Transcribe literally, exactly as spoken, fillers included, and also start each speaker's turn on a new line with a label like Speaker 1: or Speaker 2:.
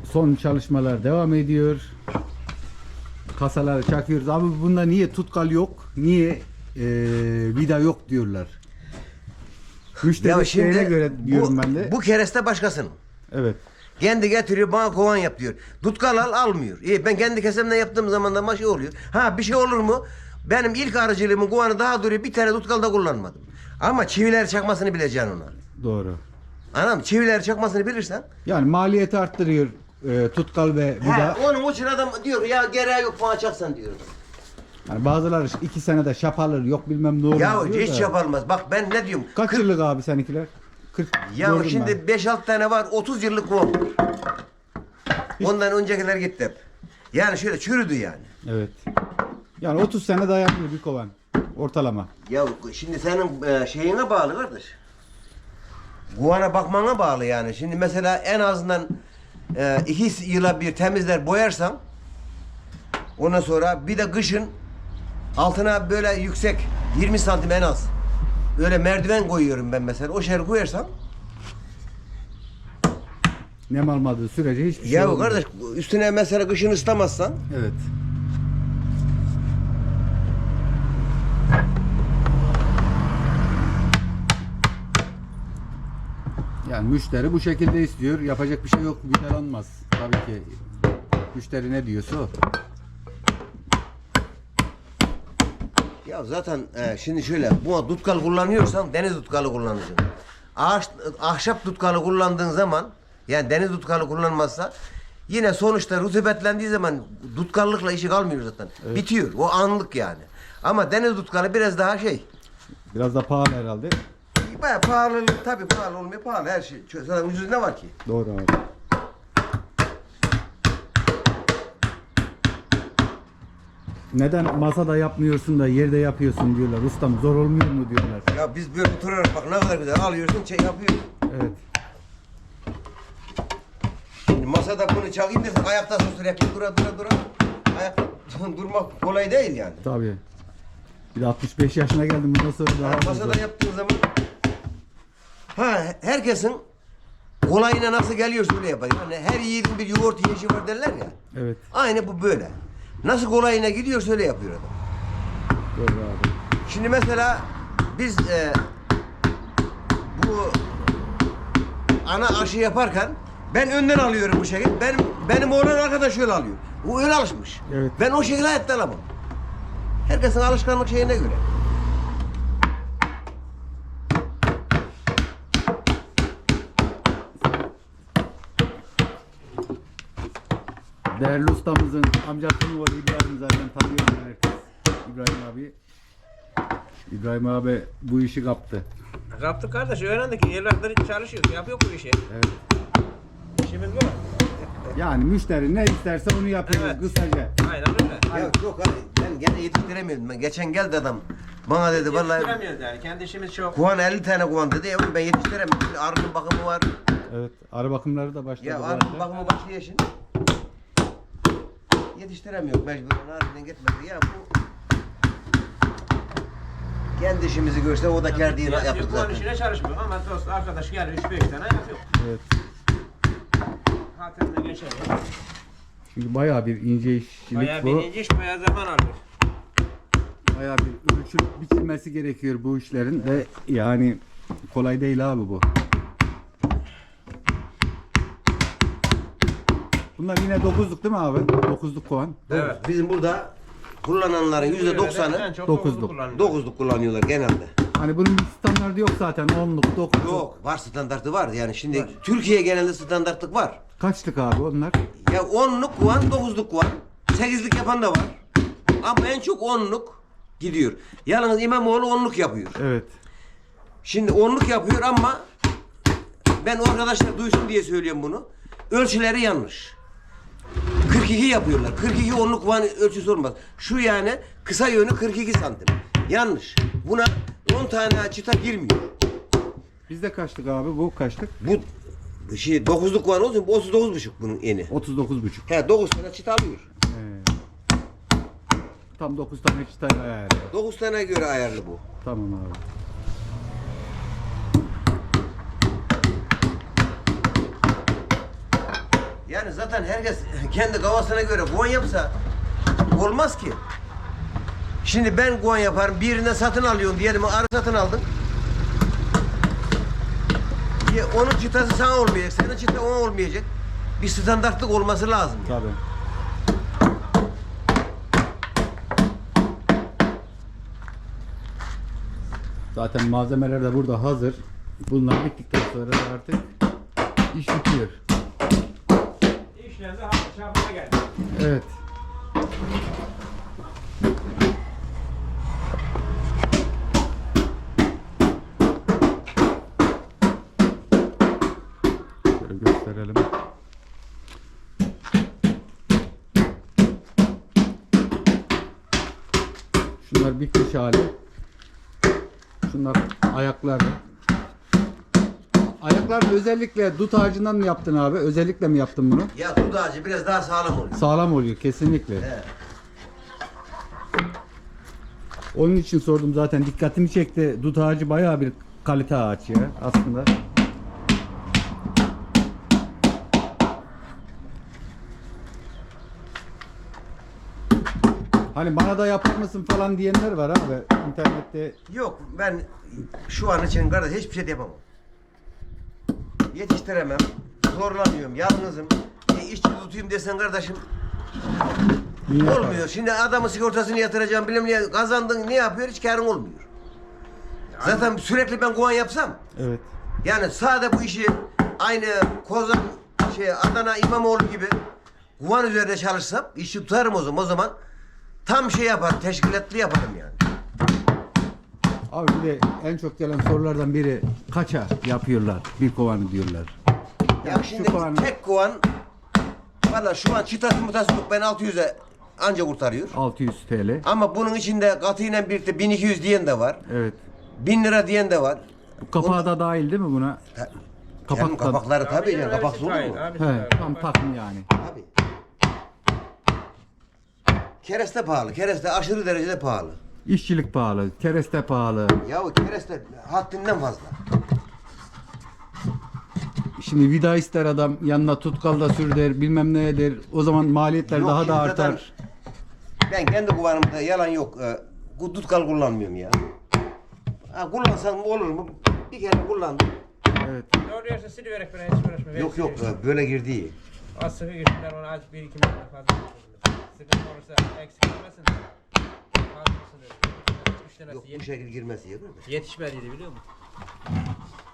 Speaker 1: son çalışmalar devam ediyor. Kasaları çakıyoruz. Abi bunda niye tutkal yok? Niye e, vida yok diyorlar. Müşteri isteğine göre diyorum
Speaker 2: bu,
Speaker 1: ben de.
Speaker 2: Bu kereste başkasının.
Speaker 1: Evet.
Speaker 2: Kendi getiriyor bana kovan yap diyor. Tutkal al almıyor. İyi, ben kendi kesemden yaptığım zaman da şey oluyor. Ha bir şey olur mu? Benim ilk aracılığımın kovanı daha duruyor. Bir tane tutkal da kullanmadım. Ama çiviler çakmasını bileceksin ona.
Speaker 1: Doğru.
Speaker 2: Anam çiviler çakmasını bilirsen.
Speaker 1: Yani maliyeti arttırıyor e, tutkal ve vida.
Speaker 2: He, onun için adam diyor ya gereği yok bana çaksan diyor.
Speaker 1: Yani bazıları iki senede şapalır yok bilmem ne olur.
Speaker 2: Ya
Speaker 1: diyor
Speaker 2: hiç
Speaker 1: da.
Speaker 2: yapılmaz. Bak ben ne diyorum?
Speaker 1: Kaç
Speaker 2: kırk
Speaker 1: yıllık abi seninkiler? kırk
Speaker 2: Ya
Speaker 1: gördüm
Speaker 2: şimdi beş altı tane var. otuz yıllık kovan. Ondan öncekiler gitti hep. Yani şöyle çürüdü yani.
Speaker 1: ben. Evet. Yani otuz sene dayanıyor bir kovan. Ortalama.
Speaker 2: Ya şimdi senin e, şeyine bağlı kardeş. Kovana bakmana bağlı yani. Şimdi mesela en azından e, iki yıla bir temizler boyarsam ondan sonra bir de kışın altına böyle yüksek yirmi santim en az. Öyle merdiven koyuyorum ben mesela. O şer koyarsam
Speaker 1: Nem almadığı sürece hiçbir şey
Speaker 2: ya
Speaker 1: olmuyor.
Speaker 2: kardeş üstüne mesela kışın ısıtamazsan
Speaker 1: Evet. Yani müşteri bu şekilde istiyor. Yapacak bir şey yok. Vidalanmaz. Tabii ki. Müşteri ne diyorsa o.
Speaker 2: ya zaten e, şimdi şöyle bu tutkal kullanıyorsan deniz tutkalı kullanacaksın. Ağaç, ahşap tutkalı kullandığın zaman yani deniz tutkalı kullanmazsa yine sonuçta rutubetlendiği zaman tutkallıkla işi kalmıyor zaten.
Speaker 1: Evet.
Speaker 2: Bitiyor. O anlık yani. Ama deniz tutkalı biraz daha şey.
Speaker 1: Biraz da pahalı herhalde.
Speaker 2: Bayağı pahalı tabii pahalı olmuyor pahalı her şey. Zaten ucuz ne var ki?
Speaker 1: Doğru abi. Neden masada yapmıyorsun da yerde yapıyorsun diyorlar. Ustam zor olmuyor mu diyorlar.
Speaker 2: Ya biz böyle oturarak bak ne kadar güzel alıyorsun şey yapıyorsun.
Speaker 1: Evet.
Speaker 2: Şimdi masada bunu çakayım desin ayakta sürekli dura dura dura. Ayakta durmak kolay değil yani.
Speaker 1: Tabii. Bir de altmış beş yaşına geldim bundan sonra daha
Speaker 2: Yani
Speaker 1: fazla.
Speaker 2: masada yaptığın zaman ha herkesin kolayına nasıl geliyorsa öyle yapar. Yani her yiğidin bir yoğurt yiyişi var derler ya.
Speaker 1: Evet.
Speaker 2: Aynı bu böyle. Nasıl kolayına gidiyorsa öyle yapıyor adam.
Speaker 1: Doğru abi.
Speaker 2: Şimdi mesela biz e, bu ana aşı yaparken ben önden alıyorum bu şekilde. Benim benim oğlan arkadaş öyle alıyor. O öyle alışmış.
Speaker 1: Evet.
Speaker 2: Ben o şekilde hayatta alamam. Herkesin alışkanlık şeyine göre.
Speaker 1: Değerli ustamızın amcasının var İbrahim zaten tanıyor herkes. İbrahim abi. İbrahim abi bu işi kaptı.
Speaker 3: Kaptık kardeş öğrendik. Evlatları çalışıyoruz. Yapıyor bu işi.
Speaker 1: Evet.
Speaker 3: İşimiz bu.
Speaker 1: Yani müşteri ne isterse onu yapıyoruz
Speaker 3: Evet.
Speaker 1: kısaca.
Speaker 3: Aynen öyle.
Speaker 2: Ya yok abi ben gene yetiştiremiyordum. Ben geçen geldi adam bana dedi vallahi
Speaker 3: Yetiştiremiyoruz yani. Kendi işimiz çok.
Speaker 2: kuvan elli tane kuvan dedi. Ya ben yetiştiremiyorum. Şimdi arının bakımı var.
Speaker 1: Evet. Arı bakımları da başladı.
Speaker 2: Ya
Speaker 1: bu
Speaker 2: arının
Speaker 1: arada.
Speaker 2: bakımı başlıyor şimdi. Yetiştiremiyor mecburen arının gitmedi. Ya bu kendi işimizi görse o da kerdiğini
Speaker 3: Yani
Speaker 2: yaptık
Speaker 3: bu
Speaker 2: zaten.
Speaker 3: işine çalışmıyor ama dost arkadaş geliyor üç beş tane yapıyor.
Speaker 1: Evet.
Speaker 3: Hatırına geçelim.
Speaker 1: Çünkü bayağı bir ince işçilik
Speaker 3: Bayağı
Speaker 1: bu.
Speaker 3: birinci iş bayağı zaman alıyor.
Speaker 1: Bayağı bir ölçülüp biçilmesi gerekiyor bu işlerin ve yani kolay değil abi bu. Bunlar yine dokuzluk değil mi abi? Dokuzluk kovan.
Speaker 3: Evet.
Speaker 2: Bizim burada kullananların yüzde
Speaker 3: En
Speaker 2: doksanı
Speaker 3: çok
Speaker 1: dokuzluk.
Speaker 3: kullanıyor.
Speaker 2: dokuzluk kullanıyorlar genelde.
Speaker 1: Hani bunun bir standartı yok zaten. Onluk, dokuzluk.
Speaker 2: Yok var standartı var yani şimdi Türkiye genelinde standartlık var.
Speaker 1: Kaçlık abi onlar?
Speaker 2: Ya onluk var, dokuzluk var, sekizlik yapan da var. Ama en çok onluk gidiyor. Yalnız İmamoğlu onluk yapıyor.
Speaker 1: Evet.
Speaker 2: Şimdi onluk yapıyor ama ben o arkadaşlar duysun diye söylüyorum bunu. Ölçüleri yanlış. kırk iki yapıyorlar. kırk iki onluk van ölçüsü olmaz. Şu yani kısa yönü kırk iki santim. Yanlış. Buna on tane çıta girmiyor.
Speaker 1: Bizde kaçlık abi? Bu kaçlık?
Speaker 2: Bu şey dokuzluk van olsun bu otuz dokuz buçuk bunun eni.
Speaker 1: otuz dokuz buçuk.
Speaker 2: He dokuz tane çıta alıyor.
Speaker 1: Ee, tam dokuz tane çıtayla ayarlı.
Speaker 2: dokuz tane göre ayarlı bu.
Speaker 1: Tamam abi.
Speaker 2: Yani zaten herkes kendi kafasına göre guan yapsa olmaz ki. Şimdi ben guan yaparım, birinden satın alıyorum diyelim, arı satın aldın. Ya onun çıtası sana olmayacak, senin çıta ona olmayacak. Bir standartlık olması lazım. Yani.
Speaker 1: Tabii. Zaten malzemeler de burada hazır. Bunlar bittikten sonra da artık iş bitiyor.
Speaker 3: İşlerinde hafta şafına geldi.
Speaker 1: Evet. Şöyle gösterelim. Şunlar bitmiş hali. Şunlar ayakları. Ayaklarını özellikle dut ağacından mı yaptın abi? Özellikle mi yaptın bunu?
Speaker 2: Ya dut ağacı biraz daha sağlam oluyor.
Speaker 1: Sağlam oluyor kesinlikle.
Speaker 2: He.
Speaker 1: Onun için sordum zaten, dikkatimi çekti. Dut ağacı bayağı bir kalite ağaç ya aslında. Hani bana da yapar mısın falan diyenler var abi internette.
Speaker 2: Yok, ben şu an için kardeş hiçbir şey de yapamam. Yetiştiremem, zorlanıyorum, yalnızım. E, işçi tutayım desen kardeşim
Speaker 1: Niye yapar?
Speaker 2: olmuyor. Şimdi adamın sigortasını yatıracağım, bilmem ne kazandın, ne yapıyor, hiç karın olmuyor. Zaten sürekli ben kovan yapsam,
Speaker 1: Evet.
Speaker 2: yani sade bu işi aynı Kozan, şey Adana İmamoğlu gibi kovan üzerinde çalışsam, işi tutarım o zaman. O zaman tam şey yapar, teşkilatlı yaparım yani.
Speaker 1: Abi bir de en çok gelen sorulardan biri kaça yapıyorlar bir kovanı diyorlar.
Speaker 2: Ya
Speaker 1: Yani
Speaker 2: şimdi
Speaker 1: şu kovanı
Speaker 2: tek kovan, valla şu an çıtası mutası yok, ben altı yüze anca kurtarıyor.
Speaker 1: altı yüz T L.
Speaker 2: Ama bunun içinde katıyla birlikte bin iki yüz diyen de var.
Speaker 1: Evet.
Speaker 2: bin lira diyen de var.
Speaker 1: Bu kapağı da dahil değil mi buna?
Speaker 2: Ha,
Speaker 1: Kapak
Speaker 2: Canım,
Speaker 1: da-
Speaker 2: kapakları tabii canım,
Speaker 3: Abi,
Speaker 2: kapaksız olur
Speaker 3: hayır,
Speaker 2: mu?
Speaker 3: abi,
Speaker 1: He,
Speaker 3: abi.
Speaker 1: tam takım yani.
Speaker 2: Tabii. Kereste pahalı, kereste aşırı derecede pahalı.
Speaker 1: İşçilik pahalı, kereste pahalı.
Speaker 2: Ya o kereste haddinden fazla.
Speaker 1: Şimdi vida ister adam, yanına tutkal da sür der, bilmem ne der. O zaman maliyetler
Speaker 2: Yok,
Speaker 1: daha da
Speaker 2: şimdi zaten
Speaker 1: artar.
Speaker 2: Ben kendi kullanımda yalan yok. E, bu tutkal kullanmıyorum ya. Ha, kullansam olur mu? Bir kere kullandım.
Speaker 1: Evet.
Speaker 3: Doğru yerse siliverek bana hiç uğraşma.
Speaker 2: Yok yok, e, böyle girdi iyi.
Speaker 3: Az sıkı girsinler ona az bir iki metre fazla. Sıkıntı olursa eksik olmasın. Fazlasını. Üç tanesi
Speaker 2: Yok bu
Speaker 3: yetiş-
Speaker 2: şekil girmesi iyi değil mi?
Speaker 3: yetişmediydi biliyor musun?